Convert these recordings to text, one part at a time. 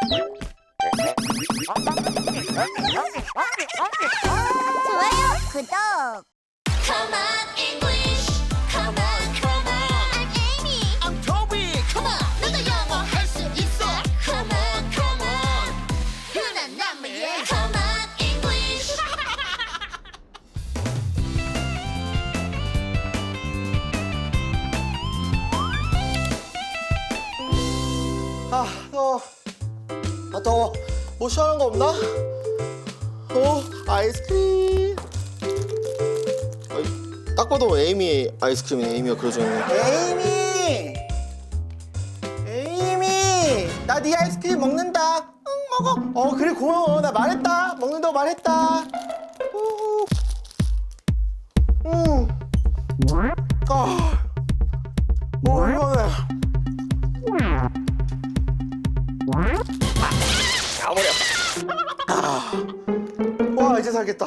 좋아요, 구독. Come on, English. Come on, come on. I'm Amy. I'm Toby. Come on, 너도 영어 할 수 있어. Come on, come on. 흔한 남매의 Come on, English. 더워. 더워. 뭐 시원한 거 없나? 아이스크림. 딱 봐도 에이미 아이스크림이네. 에이미가 그려져 있네. 에이미! 나 네 아이스크림 먹는다. 응, 먹어. 그래, 고마워. 나 말했다. 먹는다고 말했다. 시원해. 와, 이제 살겠다.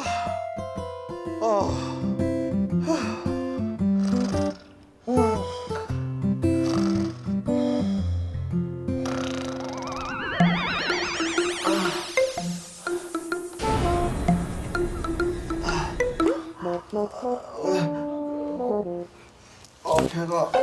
배가.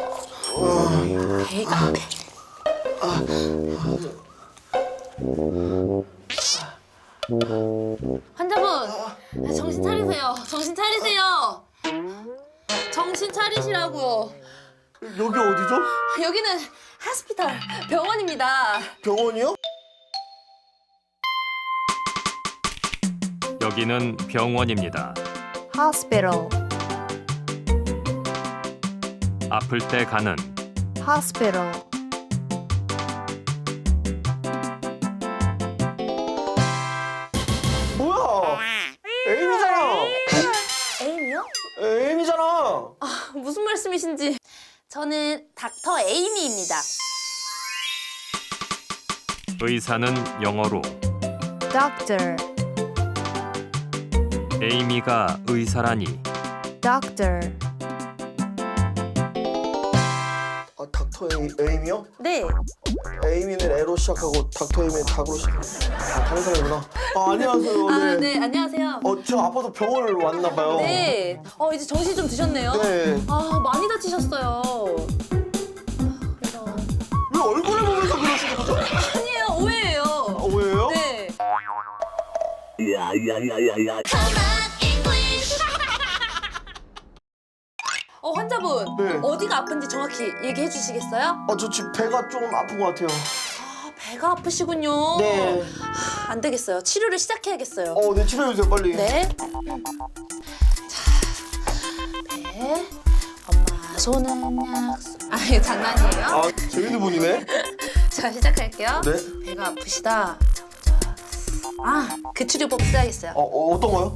환자분, 정신 차리세요. 정신 차리세요. 정신 차리시라고요. 여기 어디죠? 여기는 하스피탈 병원입니다. 병원이요? 여기는 병원입니다. hospital, 아플 때 가는 hospital, 뭐야? 에이미잖아. 에이미요? 에이미잖아. 무슨 말씀이신지. 저는 닥터 에이미입니다. 의사는 영어로, doctor, 에이미가 의사라니 doctor, 닥터 에이미요? 네. 에이미는 에로 시작하고 닥터 에이미는 닥으로 시작하고. 다른 사람이구나. 안녕하세요. 네, 안녕하세요. 저 아파서 병원을 왔나 봐요. 네. 이제 정신 좀 드셨네요. 네. 많이 다치셨어요. 그래서. 왜 얼굴을 보면서 그러시는 거죠? 아니에요, 오해예요. 왜요? 네. Come on, English. 환자분, 네. 어디가 아픈지 정확히 얘기해 주시겠어요? 저 지금 배가 좀 아픈 것 같아요. 배가 아프시군요. 네. 안 되겠어요. 치료를 시작해야겠어요. 네, 치료해주세요, 빨리. 네. 자, 배. 엄마 손은 약속. 이거 장난이에요? 재밌는 분이네. 자, 시작할게요. 네. 배가 아프시다. 자, 그 치료법 써야겠어요. 어떤 거요?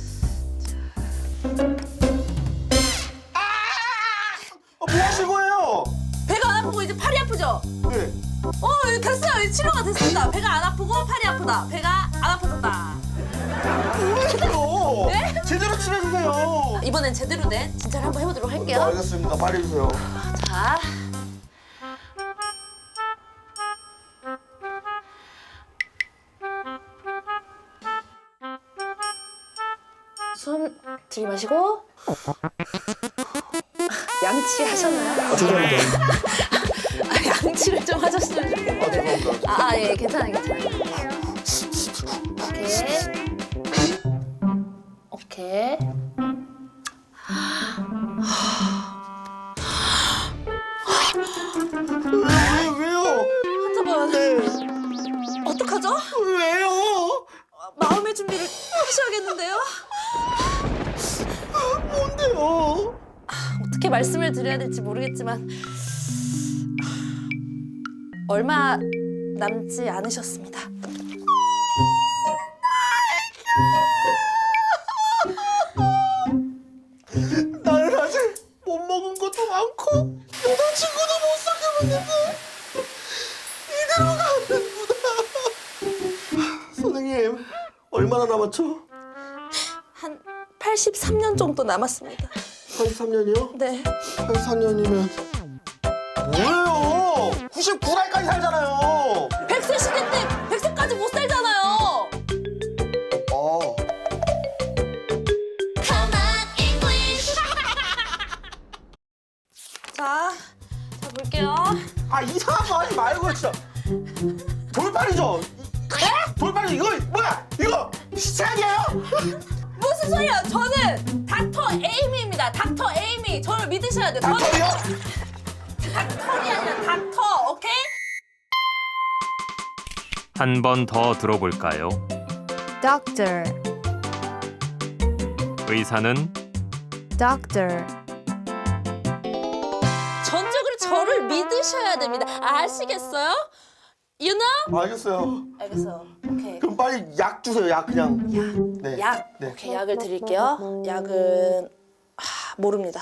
뭐 하신 거예요? 배가 안 아프고 이제 팔이 아프죠? 네. 이제 됐어요. 이제 치료가 됐습니다. 배가 안 아프고 팔이 아프다. 배가 안 아파졌다. 뭐예요? 네? 제대로 치료해주세요. 이번엔 제대로 된 진찰을 한번 해보도록 할게요. 알겠습니다. 빨리 해주세요. 자. 숨 들이마시고. 양치 하셨나요? 죄송합니다. 양치를 좀 하셨으면 좋겠는데. 죄송합니다. 예, 괜찮아요. 오케이. 왜요? 환자분, 네. 어떡하죠? 왜요? 마음의 준비를 하셔야겠는데요? 뭔데요? 어떻게 말씀을 드려야 될지 모르겠지만 얼마 남지 않으셨습니다. 나는 아직 못 먹은 것도 많고 여자친구도 못 사귀었는데 이대로 가는구나. 선생님, 얼마나 남았죠? 한 83년 정도 남았습니다. 83년이요? 네. 83년이면 뭐예요? 99살까지 살잖아요. 100세 시대 때 돌팔이죠? 돌팔이 이거 뭐야? 이거 시체 아니에요? 무슨 소리야? 저는 닥터 에이미입니다. 닥터 에이미. 저를 믿으셔야 돼요. 저는 닥터요? 닥터이 아니라 닥터. 오케이? 한 번 더 들어볼까요? Doctor. 의사는 Doctor. 전적으로 저를 믿으셔야 됩니다. 아시겠어요? You know? 알겠어요. 알겠어요. 오케이. 그럼 빨리 약 주세요. 약 그냥. 네. 약. 네. 오케이, 약을 드릴게요. 약은 모릅니다.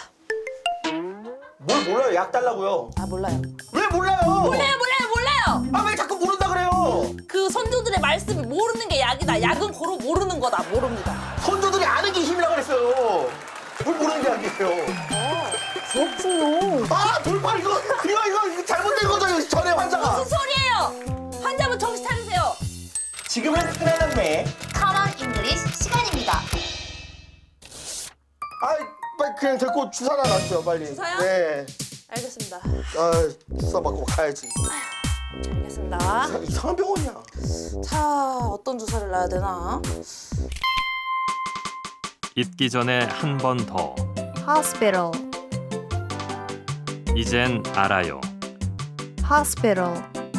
뭘 몰라요? 약 달라고요. 아, 몰라요. 왜 몰라요? 몰라요. 아 왜 자꾸 모른다 그래요? 그 선조들의 말씀이 모르는 게 약이다. 약은 고로 모르는 거다. 모릅니다. 선조들이 아는 게 힘이라고 그랬어요. 뭘 모르는 게 약이에요. 그렇군요. 아 돌팔 이거 잘못된 거죠 이거 전에 환자가. 무슨 소리예요? 환자분 정신 차리세요. 지금은 흔한남매. Common English 시간입니다. 아 빨리 그냥 데리고 주사나 놨어요 빨리. 주사요? 네. 알겠습니다. 아 주사 맞고 가야지. 알겠습니다. 이상한 병원이야. 자, 어떤 주사를 놔야 되나? 잊기 전에 한 번 더. Hospital. 이젠 알아요. Hospital.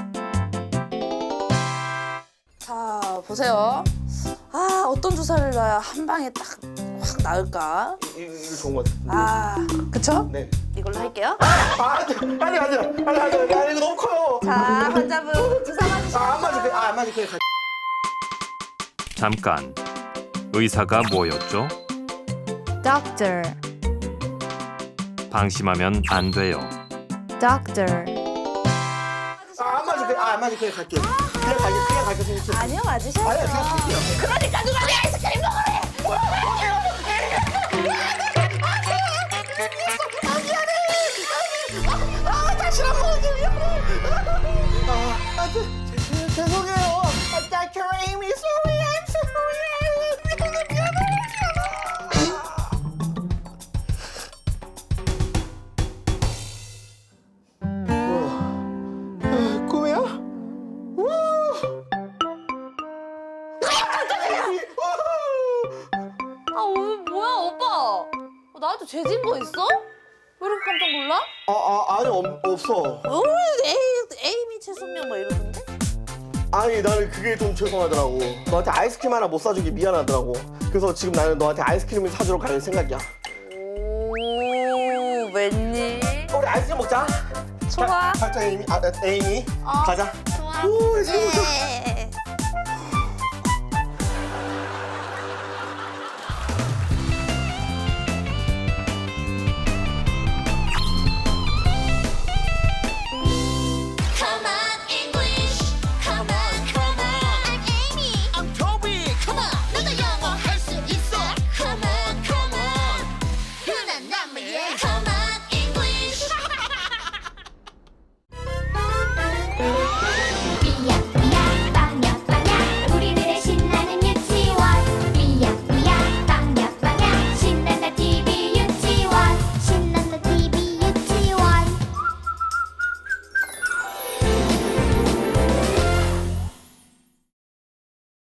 자, 보세요. 아, 어떤 주사를 놔야 한 방에 딱 확 나을까? 이거 좋은 것 같아. 아, 그쵸? 네. 이걸로 할게요. 아니 이거 너무 커요. 자, 환자분 주사 맞으시죠? 안 맞을 거야. 안 맞을 거야. 잠깐. 의사가 뭐였죠? Doctor. 방심하면 안 돼요. Doctor. 안 맞을 거야. 안 맞을 거야. 갈게. 그냥 갈게 생각해. 아니요, 맞으셔야죠. 아니야 그냥 갈게요. 그러니까 누가 내 아이스크림 먹으래! 다시 한 번 미안해. 죄송해요. Dr. Amy, sorry, I'm sorry. 미안해. 꿈이야? 아, 오늘 뭐야, 오빠? 나한테 죄진 거 있어? 왜 이렇게 깜짝 놀라? 아니 없어. 에이미 최순명 막 이러던데? 아니 나는 그게 좀 죄송하더라고. 너한테 아이스크림 하나 못 사주기 미안하더라고. 그래서 지금 나는 너한테 아이스크림을 사주러 갈 생각이야. 오, 웬일? 우리 아이스크림 먹자. 좋아. 살짝 에이미, 에이미. 가자. 좋아. 오,